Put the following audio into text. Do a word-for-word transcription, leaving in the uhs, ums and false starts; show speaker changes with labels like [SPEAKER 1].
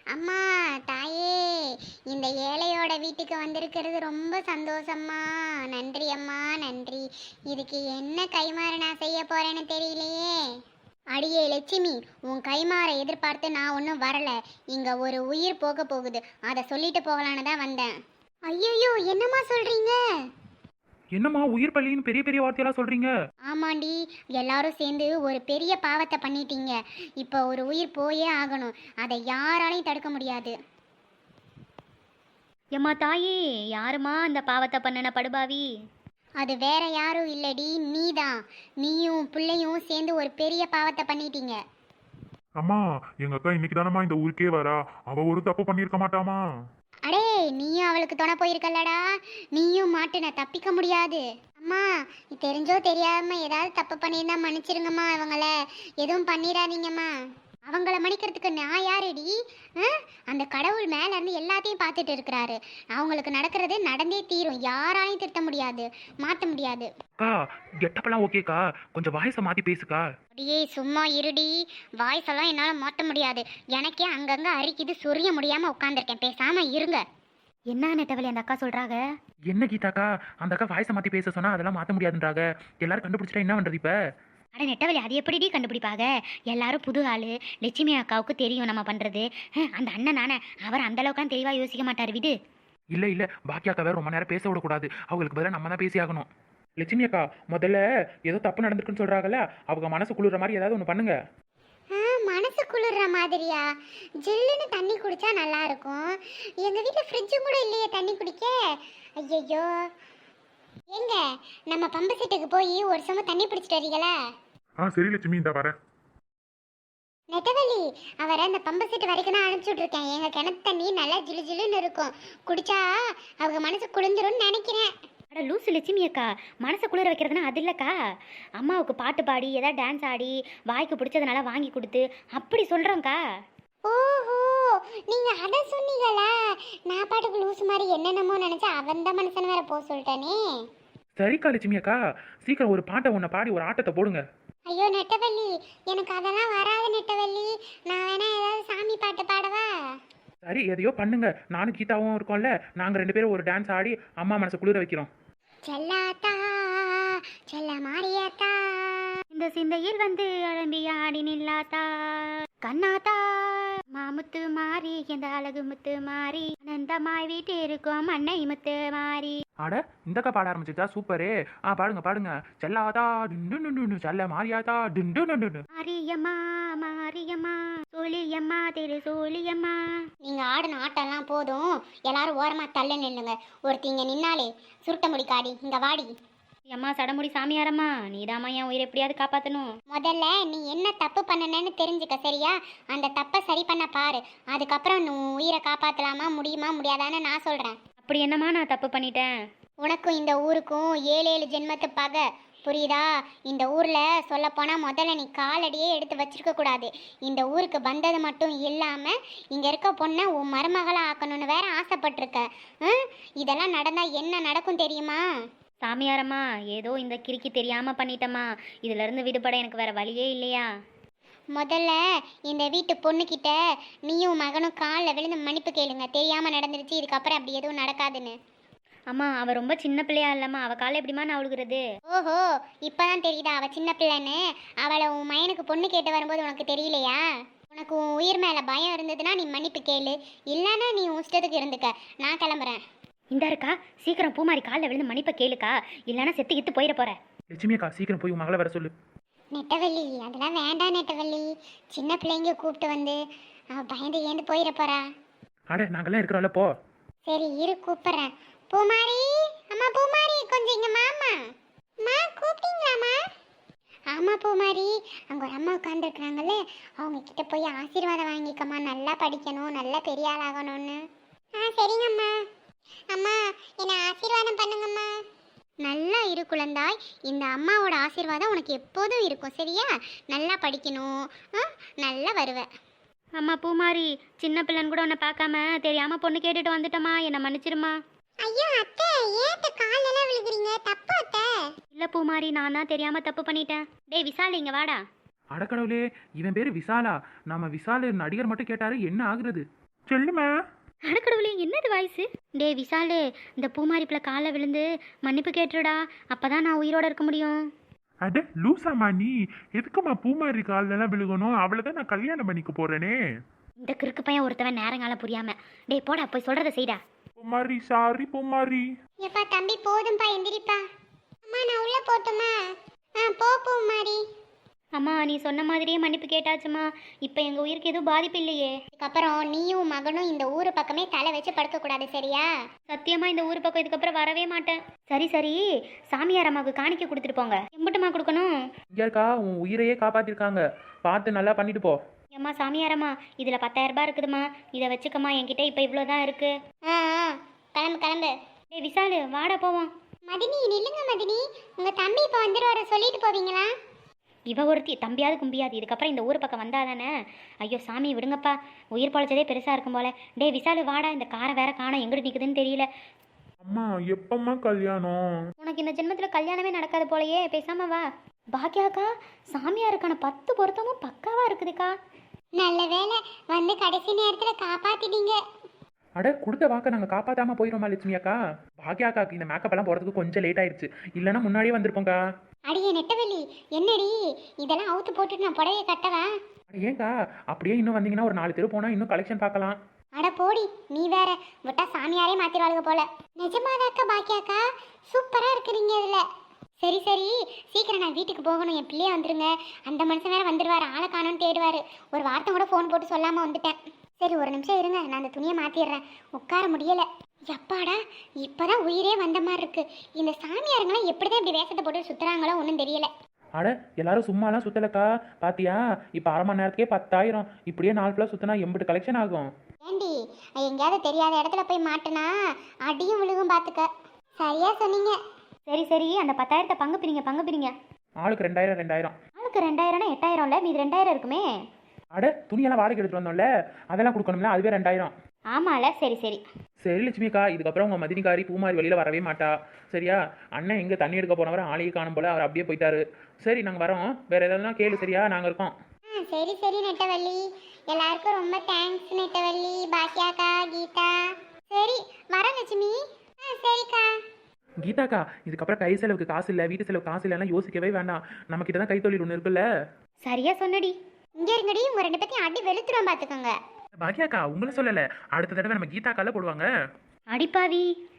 [SPEAKER 1] அம்மா, தாயே, இந்த ஏழையோட வீட்டுக்கு வந்திருக்கிறது ரொம்ப சந்தோஷம்மா. நன்றி அம்மா, நன்றி. இதுக்கு என்ன கைமாறு நான் செய்ய போறேன்னு தெரியலையே. அடியே லட்சுமி, உன் கைமாறை எதிர்பார்த்து நான் ஒன்றும் வரல. இங்க ஒரு உயிர் போக போகுது, அதை சொல்லிட்டு போகலான்னு தான் வந்தேன். ஐயோ, என்னம்மா சொல்றீங்க?
[SPEAKER 2] என்னம்மா உயிர் பள்ளின்னு பெரிய பெரிய வார்த்தையெல்லாம் சொல்றீங்க?
[SPEAKER 1] ஆமாண்டி, எல்லாரும் சேர்ந்து ஒரு பெரிய பாவத்தை பண்ணிட்டீங்க. இப்போ ஒரு உயிர் போயே ஆகணும், அதை யாராலையும் தடுக்க முடியாது.
[SPEAKER 3] எம்மா தாயே, யாருமா அந்த பாவத்தை பண்ணன படுபாவி?
[SPEAKER 1] அது வேற யாரும் இல்லடி, நீதான். நீயும் பிள்ளையும் சேர்ந்து ஒரு பெரிய பாவத்தை பண்ணிட்டீங்க.
[SPEAKER 4] அம்மா, எங்க அக்கா இன்னைக்கு தானம்மா இந்த ஊருக்கே வரா. அவ ஒரு தப்பு பண்ணியிருக்க மாட்டாமா?
[SPEAKER 1] அடே, நீயும் அவளுக்கு துணை போயிருக்கல்லடா. நீயும் மாட்டுன, தப்பிக்க முடியாது. அம்மா, தெரிஞ்சோ தெரியாம ஏதாவது தப்பு பண்ணியிருந்தா மன்னிச்சிருங்கம்மா. அவங்கள எதுவும் பண்ணிடாதீங்கம்மா. அவங்கள மன்னிக்கிறதுக்கு நான் யாருடி? அந்த கடவுள் மேல இருந்து எல்லாத்தையும் பார்த்துட்டு இருக்கிறாரு. அவங்களுக்கு நடக்கிறது நடந்தே தீரும். யாராலையும் திருத்த முடியாது, மாற்ற முடியாது.
[SPEAKER 2] அக்கா, கெட்டப்பெல்லாம் ஓகேக்கா, கொஞ்சம் வாய்ஸை மாத்தி பேசுக்கா.
[SPEAKER 1] அடியே சும்மா இருடி. வாய்ஸ் எல்லாம் என்னால மாற்ற முடியாது. எனக்கே அங்கங்க அரிக்குது, சொரிய முடியாம உட்காந்துருக்கேன். பேசாம இருங்க.
[SPEAKER 3] என்ன நெட்டவழி அந்த அக்கா சொல்றாங்க?
[SPEAKER 2] என்ன கீதாக்கா, அந்த அக்கா வாய்ஸை மாத்தி பேச சொன்னா அதெல்லாம் மாத்த முடியாதுன்றாங்க. எல்லாரும் கண்டுபிடிச்சிட்டா என்ன பண்றது இப்ப?
[SPEAKER 3] அட நெட்டவழி, அது எப்படிடி கண்டுபிடிப்பாங்க? எல்லாரும் புது ஆளு. லட்சுமி அக்காவுக்கு தெரியும் நம்ம பண்றது. அந்த அண்ணன் நானே, அவர் அந்த அளவுக்கு தெளிவா யோசிக்க மாட்டார். விடு.
[SPEAKER 2] இல்ல இல்ல, பாக்கி அக்கா வேற ரொம்ப நேரம் பேச விடக்கூடாது. அவங்களுக்கு பதிலாக நம்ம தான் பேசி ஆகணும். லட்சுமி அக்கா, முதல்ல ஏதோ தப்பு நடந்திருக்குன்னு சொல்றாங்கல்ல, அவங்க மனசு குளிர்ற மாதிரி ஏதாவது ஒன்று பண்ணுங்க.
[SPEAKER 1] மனசு குளிர்ற மாதிரியா? ஜில்லுன்னு தண்ணி குடிச்சா நல்லா இருக்கும். எங்க வீட்டுல ஃப்ரிட்ஜும் கூட இல்லையே தண்ணி குடிக்க. ஐயோ, எங்க நம்ம பம்பு செட்டுக்கு போய் ஒரு சம தண்ணி பிடிச்சிட்டு வரீங்களா?
[SPEAKER 4] ஆ சரி லட்சுமி, இந்த வரேன்.
[SPEAKER 1] நெட்டவள்ளி, அவரை அந்த பம்பு செட்டு வரைக்கும் தான் அனுப்பிச்சுட்டு இருக்கேன். எங்க கிணத்து தண்ணி நல்லா ஜிலு ஜிலுன்னு இருக்கும். குடிச்சா அவங்க மனசு குளிர்ந்துரும்னு நினைக்கிறேன்.
[SPEAKER 3] அட லூசு லட்சுமி அக்கா, மனசை குளிர வைக்கிறதுனா அது இல்லைக்கா. அம்மாவுக்கு பாட்டு பாடி ஏதாவது டான்ஸ் ஆடி வாய்க்கு பிடிச்சதுனால வாங்கி கொடுத்து அப்படி சொல்கிறோங்க்கா.
[SPEAKER 1] ஓஹோ, நீங்க அத சொன்னீங்களா? நான் பாட்டுக்கு லூசு மாதிரி என்னென்னமோ நினைச்சா அவன் தான் மனுஷன் வேற போக சொல்லிட்டானே.
[SPEAKER 2] சரிக்கா லட்சுமி அக்கா, சீக்கிரம் ஒரு பாட்டை ஒன்றை பாடி ஒரு ஆட்டத்தை போடுங்க.
[SPEAKER 1] ஐயோ நெட்டவள்ளி, எனக்கு அதெல்லாம் வராது நெட்டவள்ளி. நான் வேணா ஏதாவது சாமி பாட்டு பாடவா?
[SPEAKER 2] சரி, எதையோ பண்ணுங்க. நானும் கீதாவும் இருக்கோம்ல, நாங்கள் ரெண்டு பேரும் ஒரு டான்ஸ் ஆடி அம்மா மனசை குளிர வைக்கிறோம்.
[SPEAKER 1] செல்லாத்தா, செல்ல மாறியாத்தா,
[SPEAKER 3] இந்த சிந்தையில் வந்து அழம்பி ஆடி நில்லாத்தா, கண்ணாத்தா மாமுத்து மாறி, இந்த அழகு முத்து மாறி, அனந்தமாய் வீட்டு இருக்கும் அன்னை முத்து மாறி.
[SPEAKER 2] ஆட, இந்தக்கா பாட ஆரம்பிச்சுட்டா சூப்பரே. ஆ பாடுங்க பாடுங்க. செல்லாதா டிண்டு செல்ல மாறியாதா டிண்டு.
[SPEAKER 3] மாரியம்மா மாரியம்மா சோழியம்மா திரு சோழியம்மா.
[SPEAKER 1] நீங்க ஆடின ஆட்டம்லாம் போதும். எல்லாரும் ஓரமா தள்ள நில்லுங்க. ஒருத்திங்க நின்னாலே சுருட்ட முடி காடி, இங்க வாடி.
[SPEAKER 3] அம்மா சடமுடி சாமியாரம்மா, நீதாம்மா என் உயிரை எப்படியாவது காப்பாற்றணும்.
[SPEAKER 1] முதல்ல நீ என்ன தப்பு பண்ணனன்னு தெரிஞ்சுக்க, சரியா? அந்த தப்பை சரி பண்ண பாரு. அதுக்கப்புறம் நீ உயிரை காப்பாற்றலாமா, முடியுமா முடியாதான்னு நான் சொல்கிறேன்.
[SPEAKER 3] அப்படி என்னம்மா நான் தப்பு பண்ணிட்டேன்?
[SPEAKER 1] உனக்கும் இந்த ஊருக்கும் ஏழு ஏழு ஜென்மத்து பகை, புரியுதா? இந்த ஊரில் சொல்லப்போனால் முதல்ல நீ காலடியே எடுத்து வச்சிருக்க கூடாது. இந்த ஊருக்கு வந்தது மட்டும் இல்லாமல் இங்கே இருக்க பொண்ணை உன் மருமகளை ஆக்கணும்னு வேற ஆசைப்பட்டிருக்க. இதெல்லாம் நடந்தால் என்ன நடக்கும் தெரியுமா?
[SPEAKER 3] சாமியாரம்மா, ஏதோ இந்த கிறுக்கி தெரியாமல் பண்ணிட்டம்மா. இதிலிருந்து விடுபட எனக்கு வேற வழியே இல்லையா?
[SPEAKER 1] முதல்ல இந்த வீட்டு பொண்ணுக்கிட்ட நீயும் மகனும் காலில் விழுந்து மன்னிப்பு கேளுங்க. தெரியாமல் நடந்துருச்சு, இதுக்கப்புறம் அப்படி எதுவும் நடக்காதுன்னு.
[SPEAKER 3] அம்மா, அவள் ரொம்ப சின்ன பிள்ளையா இல்லைம்மா, அவள் காலை எப்படிமா நான் அழுகுறது?
[SPEAKER 1] ஓஹோ, இப்போதான் தெரியுதா அவள் சின்ன பிள்ளைன்னு? அவளை உன் மயனுக்கு பொண்ணு கேட்டு வரும்போது உனக்கு தெரியலையா? உனக்கு உன் உயிர் மேலே பயம் இருந்ததுன்னா நீ மன்னிப்பு கேளு, இல்லைன்னா நீ உன் இஷ்டத்துக்கு இருந்துக்க. நான் கிளம்புறேன்.
[SPEAKER 3] இந்த இருக்கா, சீக்கிரம் பூமாரி காலில் விழுந்து மன்னிப்பை கேளுக்கா, இல்லைன்னா செத்து கித்து போயிட போற.
[SPEAKER 2] லட்சுமி அக்கா, சீக்கிரம் போய் உன் மகளை வர சொல்லு.
[SPEAKER 1] நெட்டவள்ளி, அதெல்லாம் வேண்டாம் நெட்டவள்ளி. சின்ன பிள்ளைங்க கூப்பிட்டு வந்து அவள் பயந்து ஏந்து போயிட போறா.
[SPEAKER 2] அட, நாங்கெல்லாம் இருக்கிறோம்ல, போ.
[SPEAKER 1] சரி இரு, கூப்பிட்றேன். பூமாரி, அம்மா பூமாரி, கொஞ்சம் இங்க மாமா. மா, கூப்பிட்டீங்களாம்மா? ஆமா பூமாரி, அங்கே ஒரு அம்மா உட்காந்துருக்குறாங்கல்ல, அவங்க கிட்ட போய் ஆசீர்வாதம் வாங்கிக்கம்மா. நல்லா படிக்கணும், நல்லா பெரிய ஆளாகணும்னு. ஆ சரிங்கம்மா. அம்மா, என்னை ஆசீர்வாதம் பண்ணுங்கம்மா. நல்லா இரு குழந்தாய். இந்த அம்மாவோட ஆசீர்வாதம் உனக்கு எப்போதும் இருக்கும், சரியா? நல்லா படிக்கணும், நல்லா வருவேன்.
[SPEAKER 3] அம்மா பூமாரி, சின்ன பிள்ளைன்னு கூட உன்னை பார்க்காம தெரியாம பொண்ணு கேட்டுட்டு வந்துட்டோமா, என்னை மன்னிச்சிருமா.
[SPEAKER 1] ஐயோ அத்தை, ஏத்த காலெல்லாம் விழுகிறீங்க? தப்பு அத்தை.
[SPEAKER 3] இல்லை பூமாரி, நான் தான் தெரியாம தப்பு பண்ணிட்டேன். டேய் விசால், இங்க வாடா.
[SPEAKER 2] அடக்கடவுளே, இவன் பேரு விசாலா. நம்ம விசாலு நடிகர் மட்டும் கேட்டாரு, என்ன ஆகுறது?
[SPEAKER 4] சொல்லுமா.
[SPEAKER 3] அடக்கடவுளே என்னது வாய்ஸு? டே விசாலு, இந்த பூமாரிப்புல காலை விழுந்து மன்னிப்பு கேட்டுடா, அப்பதான் நான் உயிரோட இருக்க முடியும்.
[SPEAKER 4] அட லூசாமா நீ, எதுக்குமா பூமாரி காலெல்லாம் விழுகணும்? அவளைதான் நான் கல்யாணம் பண்ணிக்க போறேனே.
[SPEAKER 3] இந்த கிறுக்கு பையன் ஒருத்தவன் நேரங்காலம் புரியாம. டே போடா, போய் சொல்றத செய்டா.
[SPEAKER 4] பூமாரி சாரி பூமாரி.
[SPEAKER 1] எப்பா தம்பி போதும்பா எந்திரிப்பா. அம்மா நான் உள்ள போட்டுமா? ஆ போ பூமாரி.
[SPEAKER 3] அம்மா நீ சொன்ன மாதிரியே மன்னிப்பு கேட்டாச்சுமா. இப்போ எங்க உயிருக்கு எதுவும் பாதிப்பு இல்லையே.
[SPEAKER 1] இதுக்கப்புறம் நீயும் மகனும் இந்த ஊரு பக்கமே தலை வச்சு படுக்க கூடாது சரியா?
[SPEAKER 3] சத்தியமா இந்த ஊர் பக்கம் இதுக்கப்புறம் வரவே மாட்டேன். சரி சரி, சாமியார் அம்மாவுக்கு காணிக்க கொடுத்துட்டு போங்க. எம்பிட்டுமா கொடுக்கணும்?
[SPEAKER 2] இங்கே இருக்கா, உன் உயிரையே காப்பாத்திருக்காங்க, பார்த்து நல்லா பண்ணிட்டு போ.
[SPEAKER 3] ஏம்மா சாமியாரம்மா, இதுல பத்தாயிரம் ரூபாய் இருக்குதுமா, இதை வச்சுக்கம்மா. என்கிட்ட இப்போ இவ்வளோதான் இருக்கு.
[SPEAKER 1] ஆ ஆ கிளம்பு கிளம்பு.
[SPEAKER 3] டேய் விசாலு, வாடா போவோம்.
[SPEAKER 1] மதினி நில்லுங்க மதினி, உங்க தம்பி இப்போ வந்துருவார சொல்லிட்டு போவீங்களா?
[SPEAKER 3] இவ ஒருத்தி தம்பியாவது கும்பியாது, இதுக்கப்புறம் இந்த ஊர் பக்கம் வந்தாதானே. ஐயோ சாமி விடுங்கப்பா, உயிர் பழைச்சதே பெருசா இருக்கும் போல. டே விசாலு வாடா, இந்த காரை வேற காணோம், எங்கிட்டு நிக்குதுன்னு தெரியல.
[SPEAKER 4] அம்மா எப்பம்மா கல்யாணம்?
[SPEAKER 3] உனக்கு இந்த ஜென்மத்துல கல்யாணமே நடக்காது போலயே, பேசாம வா. பாக்கியாக்கா, சாமியாருக்கான பத்து பொருத்தமும் பக்காவா இருக்குதுக்கா.
[SPEAKER 1] நல்ல வேளை வந்து கடைசி நேரத்துல காப்பாத்திட்டீங்க.
[SPEAKER 2] அட கொடுத்த வாக்க நாங்கள் காப்பாற்றாமல் போயிடுவோமா லட்சுமி அக்கா? பாக்கியா அக்காக்கு இந்த மேக்கப் எல்லாம் போகிறதுக்கு கொஞ்சம் லேட் ஆயிடுச்சு, இல்லைன்னா முன்னாடியே வந்திருப்போங்க்கா.
[SPEAKER 1] அடியே நெட்டவெளி, என்னடி இதெல்லாம் அவுத்து போட்டுட்டு நான் புடவைய கட்டவா?
[SPEAKER 2] அட ஏங்க்கா, அப்படியே இன்னும் வந்தீங்கன்னா ஒரு நாலு தெரு போனால் இன்னும் கலெக்ஷன் பார்க்கலாம்.
[SPEAKER 1] அட போடி, நீ வேற விட்டா சாமியாரே மாத்திருவாளுங்க போல. நிஜமாதாக்கா பாக்கியாக்கா, சூப்பரா இருக்கிறீங்க இதுல. சரி சரி, சீக்கிரம் நான் வீட்டுக்கு போகணும், என் பிள்ளைய வந்துருங்க. அந்த மனுஷன் வேற வந்துடுவாரு, ஆளை காணோன்னு தேடுவாரு. ஒரு வார்த்தை கூட ஃபோன் போட்டு சொல்லாம வந்துட்டேன். சரி ஒரு நிமிஷம் இருங்க, நான் அந்த துணியை மாத்திடுறேன். உட்கார முடியல. எப்பாடா இப்பதான் உயிரே வந்த மாதிரி இருக்கு. இந்த சாமியாருங்களாம் எப்படிதான் இப்படி வேஷத்தை போட்டு சுத்துறாங்களோ ஒன்றும் தெரியல.
[SPEAKER 2] அட எல்லாரும் சும்மாலாம் சுத்தலக்கா, பாத்தியா இப்போ அரை மணி நேரத்துக்கே பத்தாயிரம், இப்படியே நாலு ஃபுல்லாக சுற்றினா எம்பிட்டு கலெக்ஷன் ஆகும்.
[SPEAKER 1] ஏண்டி எங்கேயாவது தெரியாத இடத்துல போய் மாட்டினா அடியும் விழுகும் பார்த்துக்க. சரியா சொன்னீங்க.
[SPEAKER 3] சரி சரி, அந்த பத்தாயிரத்தை பங்கு பிரிங்க, பங்கு பிரிங்க.
[SPEAKER 2] ஆளுக்கு ரெண்டாயிரம் ரெண்டாயிரம்.
[SPEAKER 3] ஆளுக்கு ரெண்டாயிரம்னா எட்டாயிரம்ல, மீது ரெண்டாயிரம் இருக்குமே.
[SPEAKER 2] அட துணியெல்லாம் வாடகை எடுத்துட்டு வந்தோம்ல, அதெல்லாம் கொடுக்கணும்ல, அதுவே ரெண்டாயிரம்.
[SPEAKER 3] ஆமால, சரி சரி.
[SPEAKER 2] சரி லட்சுமிக்கா, இதுக்கப்புறம் உங்கள் மதினிக்காரி பூமாரி வெளியில் வரவே மாட்டா சரியா? அண்ணன் எங்கே தண்ணி எடுக்க போனவரை ஆளையே காணும் போல, அவர் அப்படியே போயிட்டாரு. சரி நாங்கள் வரோம், வேறு எதாவது கேளு சரியா? நாங்கள் இருக்கோம்.
[SPEAKER 1] ஆ சரி சரி நெட்டவள்ளி, எல்லாருக்கும் ரொம்ப தேங்க்ஸ் நெட்டவள்ளி, பாக்கியாக்கா, கீதா. சரி வரேன் லட்சுமி. ஆ சரிக்கா.
[SPEAKER 2] கீதாக்கா, இதுக்கப்புறம் கை செலவுக்கு காசு இல்லை, வீட்டு செலவுக்கு காசு இல்லைன்னா யோசிக்கவே வேண்டாம், நம்மக்கிட்ட தான் கைத்தொழில் ஒன்று இருக்குல்ல.
[SPEAKER 3] சரியா சொன்னடி.
[SPEAKER 1] இங்க இருங்கடி, உங்க ரெண்டு பேத்தையும் அடி வெளுத்துருவோம் பார்த்துக்கோங்க.
[SPEAKER 2] பாக்கியாக்கா உங்களை சொல்லலை, அடுத்த தடவை நம்ம கீதாக்கால போடுவாங்க.
[SPEAKER 3] அடிப்பாவி.